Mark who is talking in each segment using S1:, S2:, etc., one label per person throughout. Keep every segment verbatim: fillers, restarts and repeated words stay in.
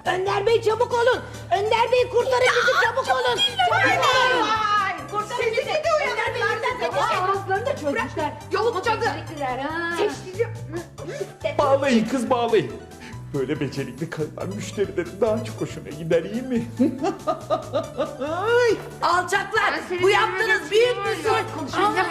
S1: Önder Bey çabuk olun. Önder Bey kurtarın bizi, çabuk olun. Çabuk olun.
S2: Kurtarın bizi. Önder Bey bizden
S1: Ağızlarını da çözmüşler.
S2: Yolun cadı.
S1: Seçtici.
S3: Bağlayın kız, bağlayın. Böyle becerikli kadınlar müşterilerin daha çok hoşuna gider, iyi mi?
S1: Alçaklar. Bu yaptığınız büyük bir suç.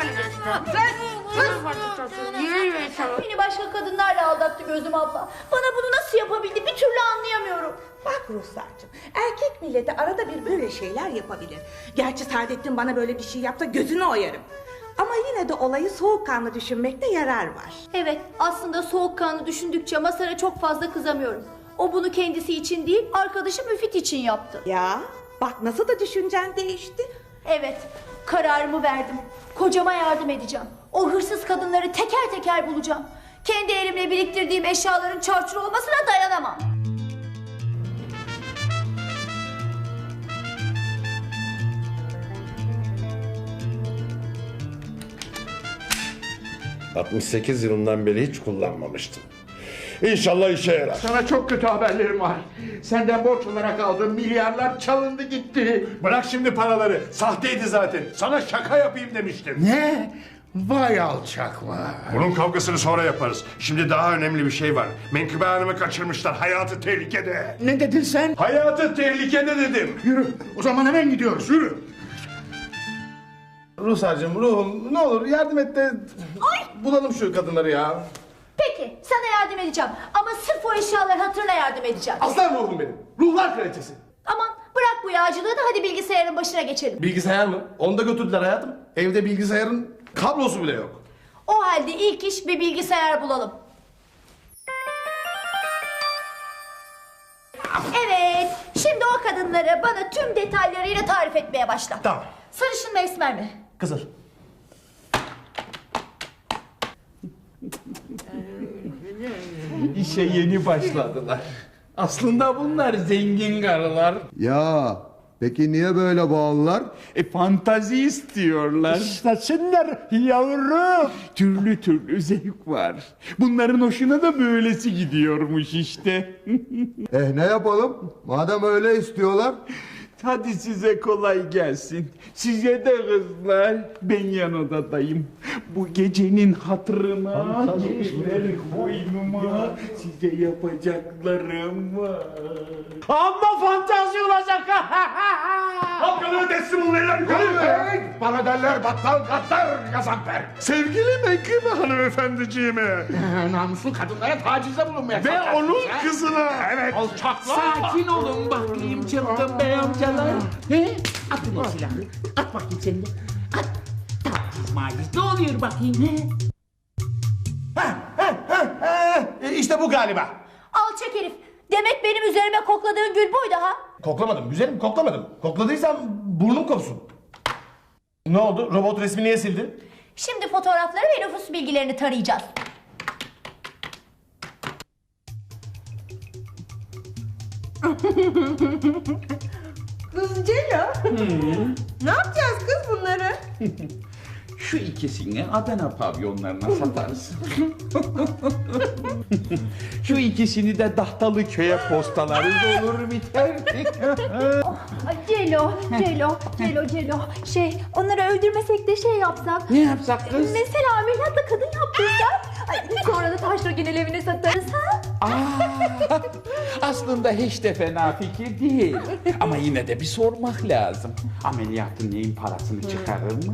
S2: Beni başka kadınlarla aldattı Gözüm abla. Bana bunu nasıl yapabildi bir türlü anlayamıyorum.
S4: Bak Ruhsar'cığım, erkek milleti arada bir böyle şeyler yapabilir. Gerçi Saadettin bana böyle bir şey yapsa gözünü oyarım. Ama yine de olayı soğukkanlı düşünmekte yarar var.
S2: Evet, aslında soğukkanlı düşündükçe Masar'a çok fazla kızamıyorum. O bunu kendisi için değil, arkadaşı Müfit için yaptı.
S4: Ya bak nasıl da düşüncen değişti.
S2: Evet, kararımı verdim. Kocama yardım edeceğim. O hırsız kadınları teker teker bulacağım. Kendi elimle biriktirdiğim eşyaların çarçur olmasına dayanamam.
S5: altmış sekiz yılından beri hiç kullanmamıştım. İnşallah işe yarar.
S6: Sana çok kötü haberlerim var. Senden borç olarak aldığım milyarlar çalındı gitti.
S5: Bırak şimdi paraları. Sahteydi zaten. Sana şaka yapayım demiştim.
S6: Ne? Vay alçaklar.
S5: Bunun kavgasını sonra yaparız. Şimdi daha önemli bir şey var. Menkıbe Hanım'ı kaçırmışlar. Hayatı tehlikede.
S6: Ne dedin sen?
S5: Hayatı tehlikede dedim.
S6: Yürü. O zaman hemen gidiyoruz. Yürü.
S7: Ruhsar'cığım, ruhum ne olur yardım et de bulalım şu kadınları ya.
S2: Peki, sana yardım edeceğim. Ama sırf o eşyalar hatırına yardım edeceğim.
S7: Aslan ruhum benim. Ruhlar kraliçesi.
S2: Aman bırak bu yağcılığı da hadi bilgisayarın başına geçelim.
S7: Bilgisayar mı? Onu da götürdüler hayatım. Evde bilgisayarın kablosu bile yok.
S2: O halde ilk iş bir bilgisayar bulalım. Evet, şimdi o kadınları bana tüm detaylarıyla tarif etmeye başla.
S7: Tamam.
S2: Sarışın mı esmer mi?
S7: Kızıl.
S3: İşe yeni başladılar. Aslında bunlar zengin karılar.
S8: Ya peki niye böyle bağlılar?
S3: E fantazi istiyorlar.
S6: İşlesinler yavrum.
S3: Türlü türlü zevk var. Bunların hoşuna da böylesi gidiyormuş işte.
S8: Eh ne yapalım? Madem öyle istiyorlar.
S3: Hadi size kolay gelsin. Size de kızlar. Ben yan odadayım. Bu gecenin hatırına geceler boynuma size yapacaklarım var.
S6: Amma fantazi olacak.
S5: Halkaları teslim olun eller yukarı.
S6: Bana derler battal gaddar Gazanfer.
S5: Sevgili Menkıbe hanımefendiciğime.
S6: Namuslu kadınlara tacize bulunmaya
S5: Ve
S6: kalkarsınız,
S5: onun
S6: ha?
S5: kızına. Evet.
S6: Alçaklar.
S3: Sakin olun bakayım çılgın bey amcalar. He? Atın o silahı. At bakayım sen de. At. Taciz maciz. Ne oluyor bakayım he?
S7: E, işte bu galiba.
S2: Alçak herif. Demek benim üzerime kokladığın gül buydu ha?
S7: Koklamadım güzelim koklamadım. Kokladıysam burnum kopsun. Ne oldu? Robot resmi niye sildin?
S2: Şimdi fotoğrafları ve nüfus bilgilerini tarayacağız.
S4: Kız Cela. Ne yapacağız kız bunları?
S3: Şu ikisini Adana pavyonlarına satarız. Şu ikisini de Dahtalı köye postalarız, olur biter.
S2: Ay Celo, Celo, Celo, Celo. Şey, onları öldürmesek de şey yapsak.
S3: Ne yapsak kız?
S2: Mesela ameliyatla kadın yaptırsak. Ay, sonra da taşragin evine satarız ha?
S3: Aa, aslında hiç de fena fikir değil. Ama yine de bir sormak lazım. Ameliyatın neyin parasını çıkarır mı?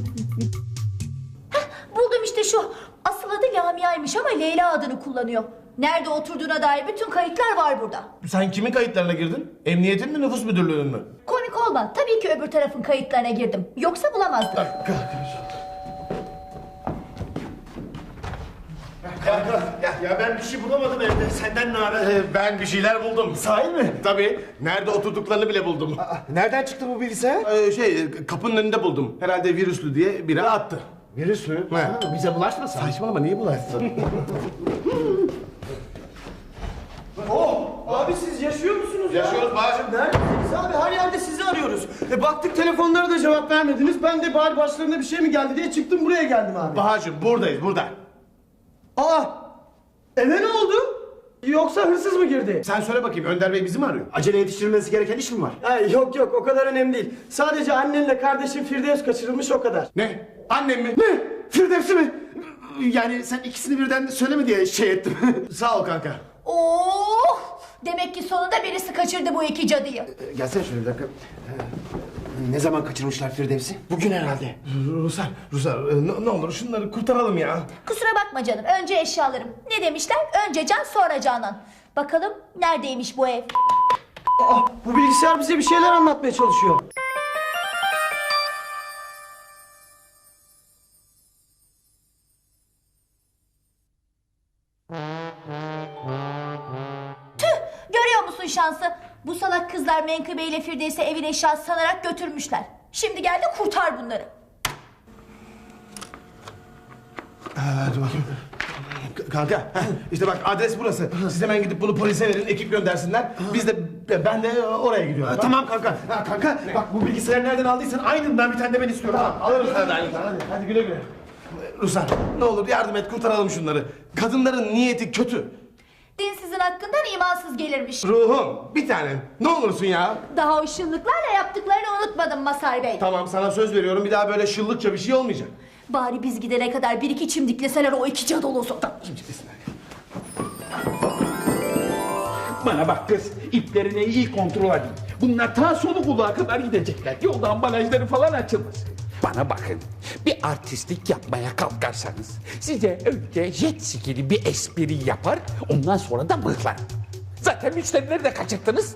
S2: Buldum işte şu. Asıl adı Lamia'ymış ama Leyla adını kullanıyor. Nerede oturduğuna dair bütün kayıtlar var burada.
S7: Sen kimin kayıtlarına girdin? Emniyetin mi nüfus müdürlüğünün mü?
S2: Komik olma. Tabii ki öbür tarafın kayıtlarına girdim. Yoksa bulamazdım.
S7: Ya ben bir şey bulamadım evde. Senden ne haber? Ee, ben bir şeyler buldum. Sahi mi? Tabii. Nerede oturduklarını bile buldum.
S9: Nereden çıktı bu bilgisayar?
S7: Ee, şey kapının önünde buldum. Herhalde virüslü diye biri attı.
S9: Virüs mü?
S7: He.
S9: Ha, bize bulaşmasın.
S7: Saçmalama niye bulaşsın?
S9: Abi siz yaşıyor musunuz
S7: Yaşıyoruz bacım.
S9: Neredesiniz abi? Her yerde sizi arıyoruz. E baktık telefonlara da cevap vermediniz. Ben de bari başlarına bir şey mi geldi diye çıktım buraya geldim abi.
S7: Bahacım buradayız burada.
S9: Aa! Eve ne oldu? Yoksa hırsız mı girdi?
S7: Sen söyle bakayım, Önder Bey bizi mi arıyor? Acele yetiştirilmesi gereken iş mi var?
S9: Ay, yok yok, o kadar önemli değil. Sadece annenle kardeşin Firdevs kaçırılmış, o kadar.
S7: Ne? Annem mi? Ne? Firdevs'i mi? Yani sen ikisini birden söyleme diye şey ettim. Sağ ol kanka.
S2: Oh! Demek ki sonunda birisi kaçırdı bu iki cadıyı.
S7: Ee, Gelsene şöyle bir dakika. Ee, Ne zaman kaçırmışlar Firdevs'i? Bugün herhalde.
S10: Rusar, Rusar e, ne, ne olur şunları kurtaralım ya.
S2: Kusura bakma canım. Önce eşyalarım. Ne demişler? Önce can sonra canan. Bakalım neredeymiş bu ev?
S9: Aa, bu bilgisayar bize bir şeyler anlatmaya çalışıyor.
S2: Görüyor musun şansı? Bu salak kızlar Menkıbe ile Firdevs'i evin eşyası sanarak götürmüşler. Şimdi gel de kurtar bunları.
S10: Hadi bakayım. K- Kanka, heh, işte bak adres burası. Siz hemen gidip bunu polise verin, ekip göndersinler. Biz de, ben de oraya gidiyorum.
S7: Tamam kanka. Ha, kanka bak bu bilgisayarı nereden aldıysan aynından bir tane de ben istiyorum.
S10: Tamam, alırız hadi aynıdan. Hadi, hadi güle güle. Rusar, ne olur yardım et, kurtaralım şunları. Kadınların niyeti kötü.
S2: Dinsizin hakkından imansız gelirmiş.
S10: Ruhum, bir tanem. Ne olursun ya.
S2: Daha o şıllıklarla yaptıklarını unutmadım Masar Bey.
S10: Tamam, sana söz veriyorum. Bir daha böyle şıllıkça bir şey olmayacak.
S2: Bari biz gidene kadar bir iki çimdikleseler o iki cadolozu.
S3: Bana bak kız, iplerini iyi kontrol edin. Bunlar ta sonu kulağa kadar gidecekler. Yolda ambalajları falan açılmasın. Bana bakın, bir artistlik yapmaya kalkarsanız size önce jet skili bir espri yapar, ondan sonra da mıhlarım. Zaten müşterileri de kaçırttınız.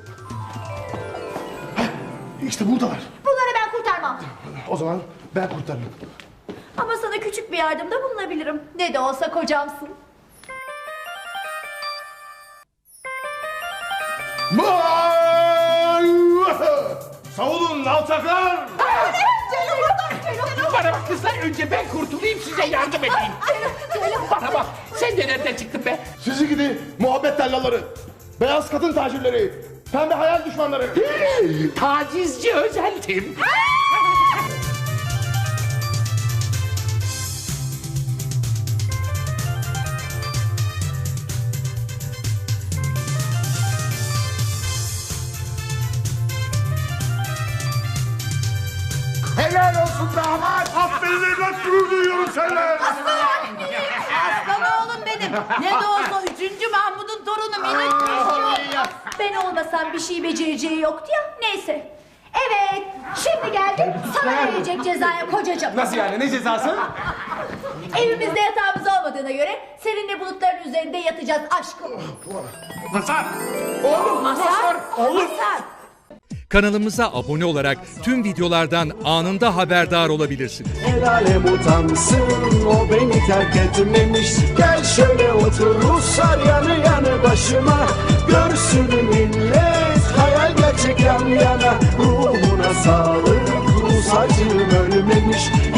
S10: İşte buradalar.
S2: Bunları ben kurtarmam.
S10: O zaman ben kurtarırım.
S2: Ama sana küçük bir yardımda bulunabilirim. Ne de olsa kocamsın.
S10: Savunun alçaklar!
S3: Bana bak kızlar, önce ben kurtulayım, size yardım edeyim. Bana bak, sen de nereden çıktın be?
S10: Sizi gidi muhabbet tellalları, beyaz kadın tacirleri, pembe hayal düşmanları.
S3: Tacizci özeltim.
S5: Helal olsun damat. Aferin evlat, gurur duyuyorum seninle.
S1: Aslan oğlum benim. Ne de olsa üçüncü Mahmud'un torunu minik.
S2: Ben olmasam bir şey becereceği yoktu ya. Neyse. Evet, şimdi geldim sana verecek cezaya kocacığım.
S10: Nasıl yani, ne cezası?
S2: Evimizde yatağımız olmadığına göre seninle bulutların üzerinde yatacağız aşkım.
S5: Masar.
S10: Oğlum,
S2: Masar,
S10: oğlum.
S2: Masar.
S11: Kanalımıza abone olarak tüm videolardan anında haberdar olabilirsiniz.
S12: El alem utansın, o beni terk etmemiş. Gel şöyle otur Ruslar yanı yanı başıma. Görsün millet, hayal gerçek yan yana. Ruhuna sağlık, Rus acım ölmemiş.